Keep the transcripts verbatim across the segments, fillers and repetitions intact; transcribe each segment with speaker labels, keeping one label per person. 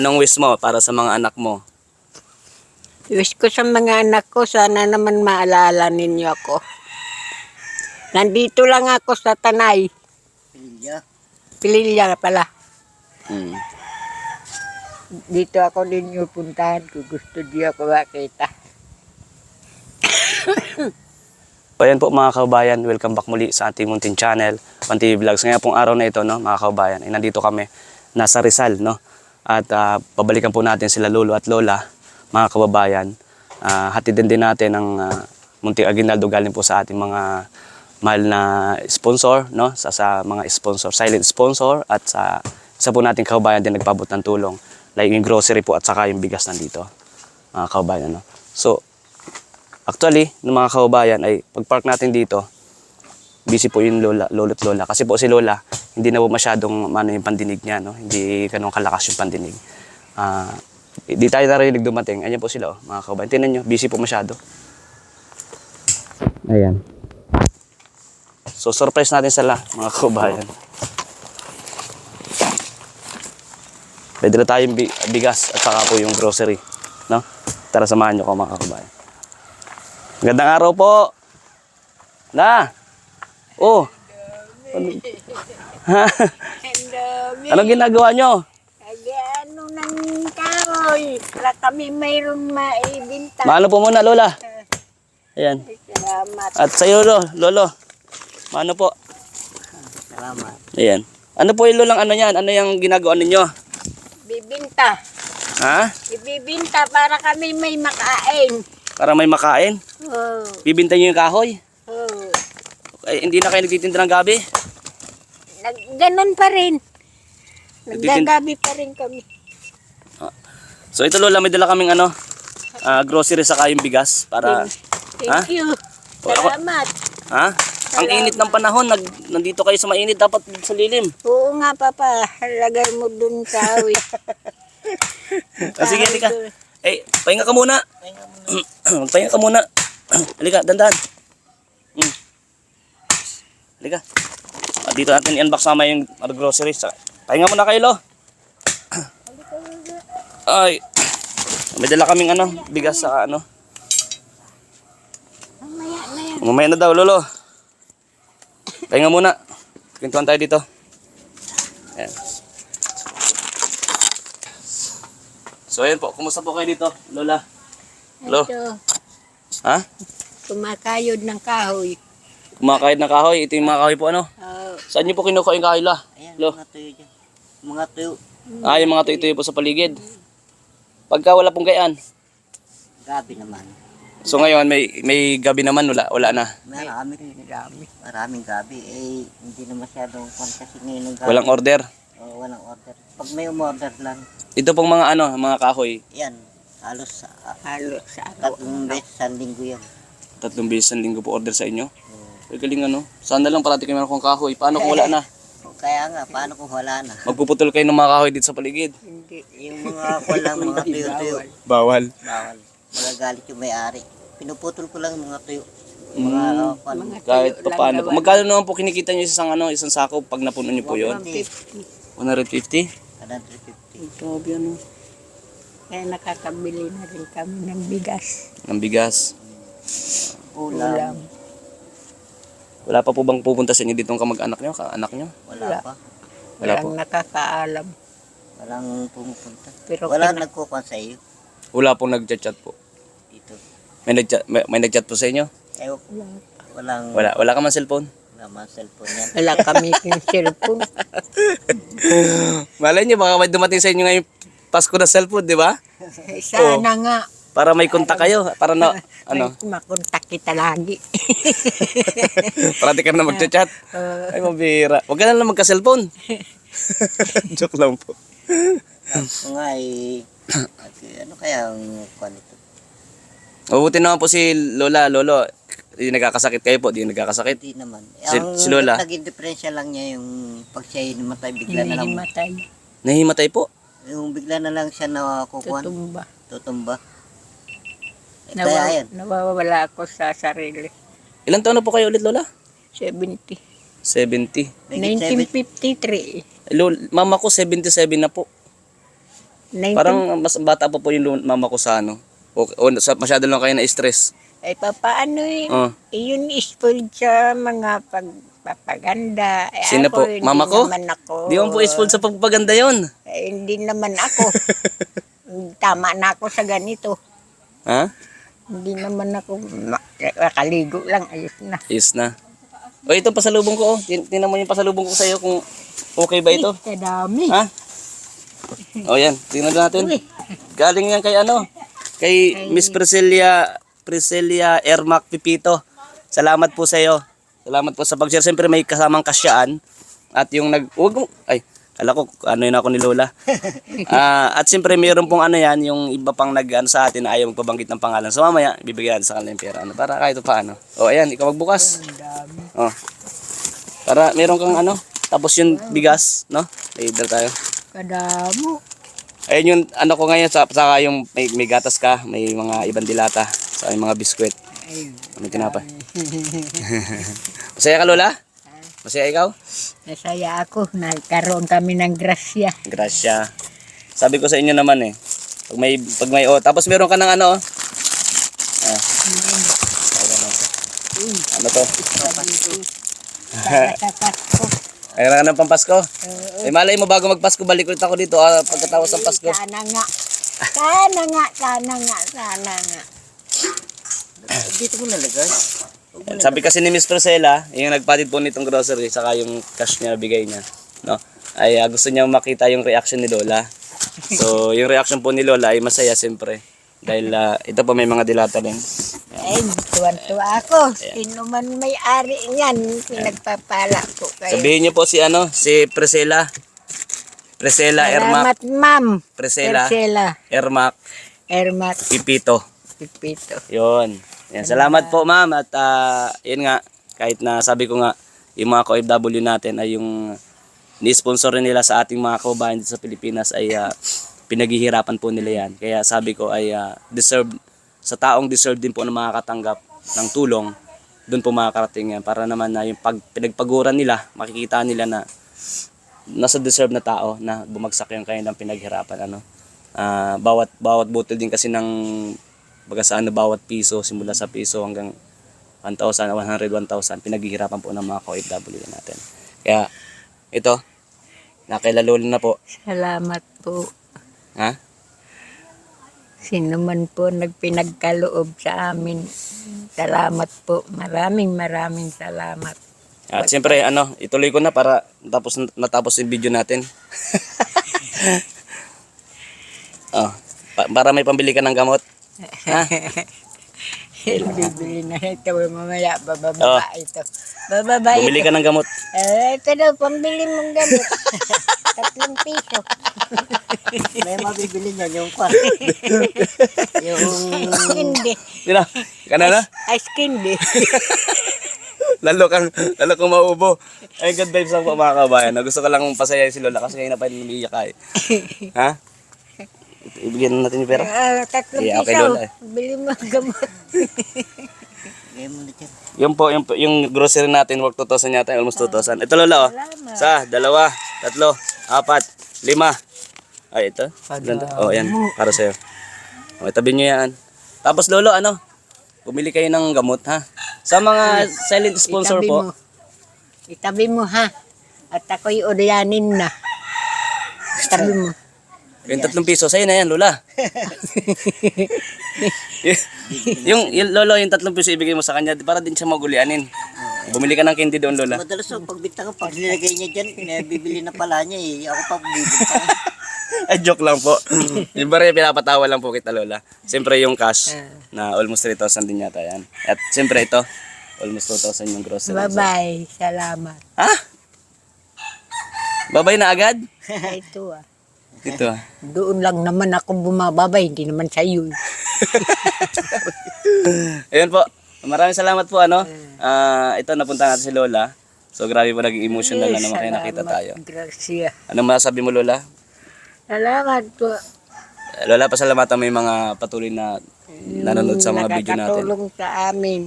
Speaker 1: Anong wish mo para sa mga anak mo?
Speaker 2: Wish ko sa mga anak ko, sana naman maalala ninyo ako. Nandito lang ako sa Tanay.
Speaker 3: Pilya.
Speaker 2: Pililya pala.
Speaker 1: Hmm.
Speaker 2: Dito ako ninyo puntahan ko. Gusto di ako makita.
Speaker 1: So ayan po mga kababayan, welcome back muli sa ating munting channel, One T V Vlogs. Ngayon pong araw na ito, no, mga kababayan, ay nandito kami, nasa Rizal, no? At uh, pabalikan po natin sila lolo at lola, mga kababayan. Uh, hatidin din natin ang uh, munting aginaldo galing po sa ating mga mahal na sponsor, no? Sa, sa mga sponsor, silent sponsor, at sa isa po nating kababayan din nagpabot ng tulong. Like yung grocery po at saka yung bigas nandito, mga kababayan, no? So, actually, ng mga kababayan ay pag-park natin dito, busy po yung lola, lolo't lola. Kasi po si lola, hindi na po masyadong ano, yung pandinig niya, no? Hindi ganun kalakas yung pandinig. Uh, di tayo narinig dumating. Ayan po sila, oh, mga kababayan. Tingnan nyo, busy po masyado. Ayan. So, surprise natin sila, mga kababayan. Pwede na tayong bigas at saka po yung grocery, no? Tara, samahan nyo ko, mga kababayan. Magandang araw po. Na. Oh. Ano, anong ginagawa nyo?
Speaker 2: Ano nang kahoy? Para kami mayroon maibinta.
Speaker 1: Maano po muna, lola? Ayan.
Speaker 2: Salamat.
Speaker 1: At sa iyo, lolo. Lolo. Maano po?
Speaker 2: Salamat.
Speaker 1: Ayan. Ano po yung lolang ano yan? Ano yung ginagawa ninyo?
Speaker 2: Bibinta.
Speaker 1: Ha?
Speaker 2: Ibibinta para kami may makain.
Speaker 1: Para may makain?
Speaker 2: Oh.
Speaker 1: Bibinta nyo yung kahoy?
Speaker 2: Oh.
Speaker 1: Eh, hindi na kayo nagtitinda ng gabi?
Speaker 2: Nag ganon pa rin.
Speaker 1: Nagtitin-
Speaker 2: Naggagabi pa rin kami.
Speaker 1: So ito, lola, may dala kaming ano, ah, grocery saka yung bigas para...
Speaker 2: Thank
Speaker 1: Ha?
Speaker 2: you.
Speaker 1: O, ako-
Speaker 2: Salamat.
Speaker 1: Ha? Ang init ng panahon, nag, nandito kayo sa mainit, dapat sa lilim.
Speaker 2: Oo nga, Papa. Lagay mo dun sa awit.
Speaker 1: Ah, sige, halika. Eh, pahinga ka muna. Magpahinga ka muna. Halika, dandan. Hmm. Halika. Ah, dito natin i-unbox sama yung ano, groceries. Pahinga muna kayo, lo. Ay. May dala kaming ano, bigas sa ano.
Speaker 2: Mamaya na yan.
Speaker 1: Mamaya na daw, lolo. Pahinga muna. Kwentuhan tayo dito. Ayan. So ayan po, kumusta po kayo dito, lola? Hello?
Speaker 2: Ito,
Speaker 1: Ha?
Speaker 2: kumakayod ng kahoy.
Speaker 1: Kumakahit ng kahoy. Ito yung mga kahoy po, ano?
Speaker 2: Oh,
Speaker 1: Saan niyo po kinukuha yung kahoy, la?
Speaker 3: Ayan,
Speaker 1: Lo.
Speaker 3: mga tuyo dyan. Mga tuyo.
Speaker 1: Ah, yung mga tuyo-tuyo po sa paligid. Pagka wala pong gayaan.
Speaker 3: Gabi naman.
Speaker 1: So ngayon, may may gabi naman, wala, wala na.
Speaker 3: Marami.
Speaker 2: dami.
Speaker 3: Maraming gabi. Eh, hindi na masyadong kwan kasi ngayon ng gabi.
Speaker 1: Walang order.
Speaker 3: Oo, walang order. Pag may umorder lang,
Speaker 1: Ito pong mga ano, mga kahoy.
Speaker 3: yan. Halos uh,
Speaker 2: Halos sa araw.
Speaker 3: tatlong beses sa linggo yan.
Speaker 1: Tatlong beses ang linggo po order sa inyo.
Speaker 3: Oo.
Speaker 1: Ay, galing ano. Sana lang parati kayo meron kong kahoy. Paano kung wala na?
Speaker 3: O, Kaya nga, paano kung wala na?
Speaker 1: Magpuputol kayo ng mga kahoy dito sa paligid.
Speaker 2: Hindi.
Speaker 3: Yung mga kulang, mga tuyo-tuyo.
Speaker 1: Bawal.
Speaker 3: Bawal. Magagalit yung may-ari. Pinuputol ko lang yung mga tuyo. Mga uh, kwan.
Speaker 2: Mga
Speaker 1: Kahit
Speaker 2: tuyo
Speaker 1: pa
Speaker 2: lang
Speaker 1: paano po.
Speaker 2: gawa.
Speaker 1: Magkano naman po kinikita nyo sa isang, ano, isang sako pag napuno nyo po yun?
Speaker 2: fifty.
Speaker 1: one hundred fifty?
Speaker 3: one hundred fifty.
Speaker 1: Grabe ano.
Speaker 2: Kaya nakakabili na rin kami ng bigas.
Speaker 1: Ang bigas.
Speaker 3: Ulam.
Speaker 2: Ulam.
Speaker 1: Wala pa po bang pupunta sa inyo dito ang kamag-anak nyo, ka-anak nyo?
Speaker 3: Wala
Speaker 2: Wala.
Speaker 3: pa.
Speaker 1: Wala
Speaker 2: Walang
Speaker 1: po.
Speaker 2: nakakaalam.
Speaker 3: Walang pumupunta.
Speaker 2: Pero
Speaker 3: Wala
Speaker 2: kina-
Speaker 3: nagkukuhan sa iyo
Speaker 1: Wala pong nag-chat po.
Speaker 3: dito.
Speaker 1: May nag-chat, may, may nag-chat po sa inyo?
Speaker 3: Eh, walang
Speaker 1: Wala, wala ka man cellphone?
Speaker 3: wala man cellphone yan.
Speaker 2: Wala kami yung cellphone.
Speaker 1: Malay nyo, baka may dumating sa inyo ngayong Pasko na cellphone, di ba?
Speaker 2: Sana nga.
Speaker 1: Para may kontak kayo, para na, ano,
Speaker 2: May makontak kita lagi.
Speaker 1: parati ka na mag-chat.
Speaker 2: Uh,
Speaker 1: Ay, mabira. Huwag ka na lang magka-cellphone. Joke lang po.
Speaker 3: Ako nga eh, at, ano kaya ang kuhan ito?
Speaker 1: Mabuti naman po si Lola, Lolo. Di nagkakasakit kayo po, di nagkakasakit.
Speaker 3: Hindi naman.
Speaker 1: Si-
Speaker 3: Ang
Speaker 1: si Lola?
Speaker 3: naging diferensya lang niya yung pag siya namatay, bigla na lang.
Speaker 2: hinihimatay.
Speaker 1: Nahimatay po.
Speaker 3: Yung bigla na lang siya nakukuhan,
Speaker 2: Tutumba.
Speaker 3: tutumba. Eh,
Speaker 2: Nawa-
Speaker 3: kaya yan.
Speaker 2: nawawala ako sa sarili.
Speaker 1: Ilan taon na po kayo ulit, Lola?
Speaker 2: seventy.
Speaker 1: seventy.
Speaker 3: May
Speaker 2: nineteen fifty-three.
Speaker 1: Lol, mama ko seventy-seven na po.
Speaker 2: nineteen
Speaker 1: Parang mas bata pa po yung lu- mama ko sa ano. O, o sa, masyado lang kayo na-stress.
Speaker 2: Ay, papaano eh.
Speaker 1: Oh.
Speaker 2: Yun spoiled sa mga pagpapaganda. Eh,
Speaker 1: Sino
Speaker 2: ako,
Speaker 1: po?
Speaker 2: hindi
Speaker 1: Mama ko?
Speaker 2: naman ako.
Speaker 1: Di mo po spoiled sa pagpapaganda yon.
Speaker 2: Eh, hindi naman ako. Tama na ako sa ganito.
Speaker 1: Ha?
Speaker 2: Hindi naman ako ma- makaligo lang. Ayos na.
Speaker 1: Yes na. O ito pasalubong ko oh. Tin- Tingnan mo yung pasalubong ko sa iyo kung okay ba ito.
Speaker 2: Ay, kadami.
Speaker 1: Ha? O yan, tingnan natin.
Speaker 2: Uy.
Speaker 1: Galing yan kay ano? Kay Miss Priscilla Priscilla Ermac Pipito. Salamat po sa iyo. Salamat po sa pag-share. Siyempre may kasamang kasyaan. At yung nag... Huwag mo... Ay, kala ko ano yun ako ni Lola. Ah, at siyempre mayroon pong ano yan, yung iba pang nag ano, sa atin na ayaw magpabanggit ng pangalan. So mamaya, bibigyan natin sa kanila yung pera. Ano, para kahit paano. O ayan, ikaw magbukas.
Speaker 2: Ang dami.
Speaker 1: Oh. Para meron kang ano, tapos yung bigas, no? Later tayo.
Speaker 2: Kadamo.
Speaker 1: Ayun yung ano ko ngayon, sa- saka yung may, may gatas ka, may mga ibang dilata, sa mga biskwit.
Speaker 2: Ayun.
Speaker 1: May tinapay. Masaya ka, Lola? Masaya ikaw?
Speaker 2: Nasaya ako. Nagkaroon kami ng grasya.
Speaker 1: Gracia. Sabi ko sa inyo naman eh. Pag may, pag may, oh, tapos meron ka ng ano, oh. Ah, ayan, oh. Ano to?
Speaker 2: Para sa Pasko.
Speaker 1: Ayun ka ng pampasko.
Speaker 2: Oo.
Speaker 1: Eh, malay mo bago magpasko, balik ulit ako dito ah, pagkatapos ng Pasko.
Speaker 2: Sana nga. Sana nga. Sana nga. Sana nga.
Speaker 3: Dito mo nalagay.
Speaker 1: Sabi kasi ni Miss Priscilla, yung nagpatid po nitong grocery, saka yung cash niya bigay niya, no? Ay ah, gusto niya makita yung reaction ni Lola. So, yung reaction po ni Lola ay masaya siyempre. Dahil ah, ito po may mga dilata din.
Speaker 2: Ay, tuwan-tuwa ako. Sino man may-ari niyan, pinagpapala ko kayo.
Speaker 1: Sabihin niyo po si ano, si Priscilla. Priscilla Ermac,
Speaker 2: Salamat, ma'am.
Speaker 1: Priscilla
Speaker 2: Priscilla.
Speaker 1: Ermac
Speaker 2: Ermat
Speaker 1: Pipito.
Speaker 2: Pipito.
Speaker 1: Yun. Yan, salamat po ma'am at ah, yun nga, kahit na sabi ko nga, yung mga K O F W natin ay yung ni-sponsor rin nila sa ating mga kababayan dito sa Pilipinas ay ah, pinaghihirapan po nila yan. Kaya sabi ko ay ah, deserve, sa taong deserve din po na makakatanggap ng tulong, doon po makakarating yan. Para naman na yung pag, pinagpaguran nila, makikita nila na nasa deserve na tao na bumagsak yung kanilang pinaghirapan. Ano? Ah, bawat, bawat butil din kasi ng baga sa ano, bawat piso, simula sa piso hanggang one thousand, one hundred, one thousand, pinaghihirapan po ng mga K O F W natin. Kaya, ito, nakailalolo na po.
Speaker 2: Salamat po.
Speaker 1: Ha?
Speaker 2: Sino man po nagpinagkaloob sa amin. Salamat po. Maraming maraming salamat.
Speaker 1: At siyempre, ano, ituloy ko na para tapos natapos yung video natin. Oh, pa- para may pambili ka ng gamot. Ha?
Speaker 2: Bibili na ito. Mamaya, bababa
Speaker 1: Oh.
Speaker 2: ito. Bababa
Speaker 1: Bumili
Speaker 2: ito.
Speaker 1: ka ng gamot.
Speaker 2: Eh, ito daw, pambili mong gamit. Tatlong piso.
Speaker 3: May mabibili niyan yung kwan. yung...
Speaker 2: Hindi.
Speaker 1: Sino? Kana na?
Speaker 2: Ice candy.
Speaker 1: Lalo kang, lalo kang maubo. Ay, good vibes lang po mga kabayan. Gusto ko lang pasayahin si Lola kasi ngayon na pa rin umiiyak ka eh. Ha? Ibigyan na natin yung pera.
Speaker 2: Ah, tatlong
Speaker 1: Yeah, okay,
Speaker 2: piso.
Speaker 1: Lola, eh.
Speaker 2: Bili mo ang gamot.
Speaker 3: Ngayon mo na dyan.
Speaker 1: Yung po, yung, yung grocery natin, worth two thousand yata, almost two thousand. Ito Lola, oh.
Speaker 2: Salamat.
Speaker 1: Sa, dalawa, tatlo, apat, lima. Ay, ito. Ganda. Oh, yan. Para sa'yo. O, itabi nyo yan. Tapos Lolo, ano? Pumili kayo ng gamot, ha? Sa mga silent sponsor
Speaker 2: Itabi
Speaker 1: po.
Speaker 2: mo. Itabi mo, ha? At ako'y udayanin na. Itabi mo.
Speaker 1: Yung tatlong piso, sa'yo na yan, Lola. Y- yung, yung Lolo, yung tatlong piso ibigay mo sa kanya para din siya magulianin. Bumili ka ng candy doon, Lola.
Speaker 3: Madalas so, pagbinta ko, pag nilagay niya dyan, bibili na pala niya eh. Ako pa bibinta.
Speaker 1: Ay, joke lang po. Yung bari, pinapatawa lang po kita, Lola. Siyempre yung cash na almost three thousand din yata yan. At siyempre ito, almost two thousand yung grocery.
Speaker 2: Bye-bye. Salamat.
Speaker 1: Ha? Babay na agad?
Speaker 2: Ito ah.
Speaker 1: Dito ah.
Speaker 2: Doon lang naman ako bumababay. Hindi naman sa iyo.
Speaker 1: Ayun po. Maraming salamat po ano. Ah, ito napunta natin si Lola. So grabe po naging emotional na naman kaya nakita tayo.
Speaker 2: Gracia.
Speaker 1: Anong masasabi mo, Lola?
Speaker 2: Salamat po.
Speaker 1: Eh, Lola, pasalamatan mo yung mga patuloy na nanonood sa mga video natin.
Speaker 2: Nakakatulong sa amin.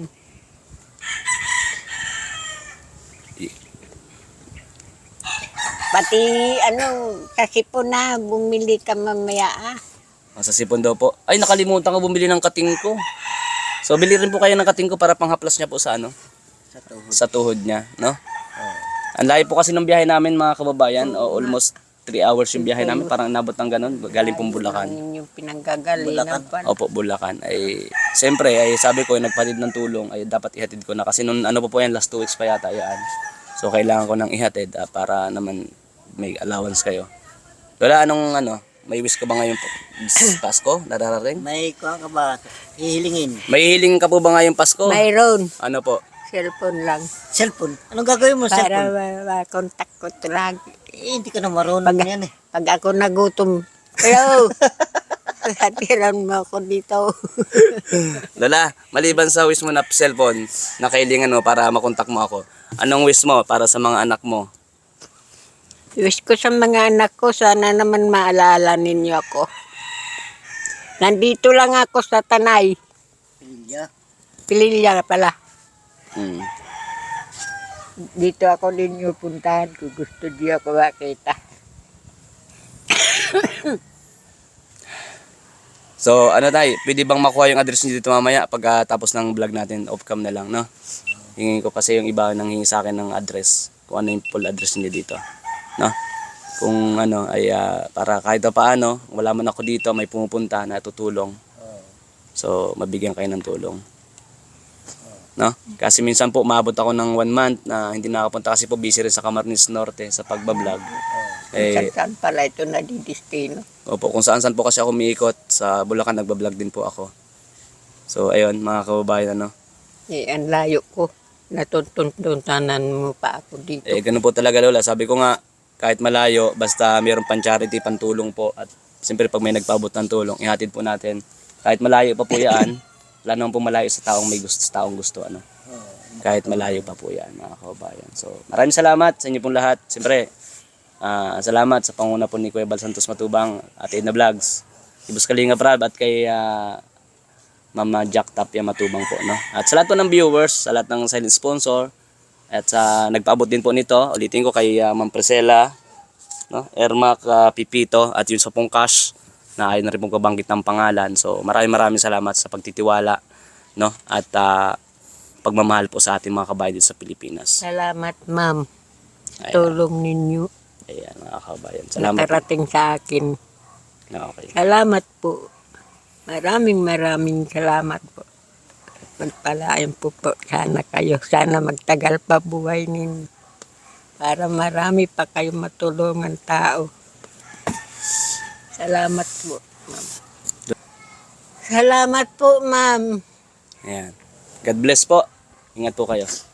Speaker 2: Pati ano, kasi po na bumili ka mamaya ah.
Speaker 1: Ah, sa sipon daw po. Ay, nakalimutan ko bumili ng kating ko. So, bili rin po kayo ng kating ko para panghaplas niya po sa ano?
Speaker 3: Sa tuhod.
Speaker 1: Sa tuhod niya, no?
Speaker 3: Oo.
Speaker 1: Ang layo po kasi ng biyahe namin mga kababayan. O, almost three hours yung biyahe namin. Parang nabot ng ganun. Galing pong Bulacan.
Speaker 2: Ang yung pinanggagalingan pa.
Speaker 1: Opo, Bulacan. Ay, siyempre, ay sabi ko, nagpatid ng tulong, ay dapat ihatid ko na. Kasi nung ano po po yan, last two weeks pa yata yan. So, kailangan ko nang ihatid ah, para naman may allowance kayo. Lola, anong ano, may wish ka ba ngayon po? Pasko? Nararating?
Speaker 3: May kuha ka ba? Hihilingin.
Speaker 1: May hiling ka po ba ngayong Pasko?
Speaker 2: Mayroon,
Speaker 1: Ano po?
Speaker 2: cellphone lang.
Speaker 3: Cellphone. Anong gagawin mo sa
Speaker 2: Para
Speaker 3: cellphone?
Speaker 2: ma-contact ko ito lagi.
Speaker 3: Eh, hindi ka na marunong
Speaker 2: Pag-
Speaker 3: yan eh.
Speaker 2: Pag ako nagutom, hello, hatiran mo ako dito.
Speaker 1: Lola, maliban sa wish mo na cellphone, na kailangan mo para makontak mo ako, anong wish mo para sa mga anak mo?
Speaker 2: Wish ko sa mga anak ko, sana naman maalala ninyo ako. Nandito lang ako sa Tanay.
Speaker 3: Pilya.
Speaker 2: Pililya pala.
Speaker 1: Hmm.
Speaker 2: Dito ako ninyo puntahan kung gusto niyo ako makita.
Speaker 1: So, ano tayo, pwede bang makuha yung address niyo dito mamaya pagkatapos ng vlog natin, off-cam na lang, no? Hingin ko kasi yung iba nang hingi sa akin ng address, kung ano yung full address niyo dito, no? Kung ano, ay ah, para kahit pa paano, wala man ako dito, may pumupunta na tutulong. So, mabigyan kayo ng tulong. No? Kasi minsan po, maabot ako ng one month na hindi nakapunta kasi po busy rin sa Camarines Norte sa pagbablog. Eh,
Speaker 2: Saan pala ito nadidistino?
Speaker 1: Opo, kung saan saan po kasi ako umiikot sa Bulacan, nagbablog din po ako. So, ayun, mga kababayan, ano.
Speaker 2: Eh, ang layo ko. Natutuntunan mo pa ako dito.
Speaker 1: Eh, ganun po talaga, Lola. Sabi ko nga, kahit malayo, basta mayroon pang charity, pantulong po. At siyempre, pag may nagpaabot ng tulong, ihatid po natin. Kahit malayo pa po yan, wala naman po malayo sa taong may gusto, sa taong gusto, ano. Kahit malayo pa po yan, mga kababayan. So, maraming salamat sa inyo pong lahat. Siyempre, ah, salamat sa panguna po ni Kuya Bal Santos Matubang at Edna Vlogs, Ibus Kalinga Prab at kay ah, Mama Jack Tapia Matubang po, no? At sa lahat po ng viewers, sa lahat ng silent sponsor, at sa nagpaabot din po nito, ulitin ko kay ah, Ma'am Priscilla, no? Ermac ah, Pipito at yung sa pong cash na ayaw na rin pong kabanggit ng pangalan. So maraming maraming salamat sa pagtitiwala, no? At ah, pagmamahal po sa ating mga kabayan dito sa Pilipinas.
Speaker 2: Salamat, ma'am.
Speaker 1: Ayan.
Speaker 2: Tulong ninyo.
Speaker 1: Ayan, mga kabayan. Salamat po.
Speaker 2: Nakarating sa akin.
Speaker 1: Okay.
Speaker 2: Salamat po. Maraming maraming salamat po. Magpalain po po sana kayo. Sana magtagal pa buhay ninyo. Para marami pa kayong matulungan tao. Salamat po, ma'am. Salamat po, ma'am.
Speaker 1: Ayan. God bless po. Ingat po kayo.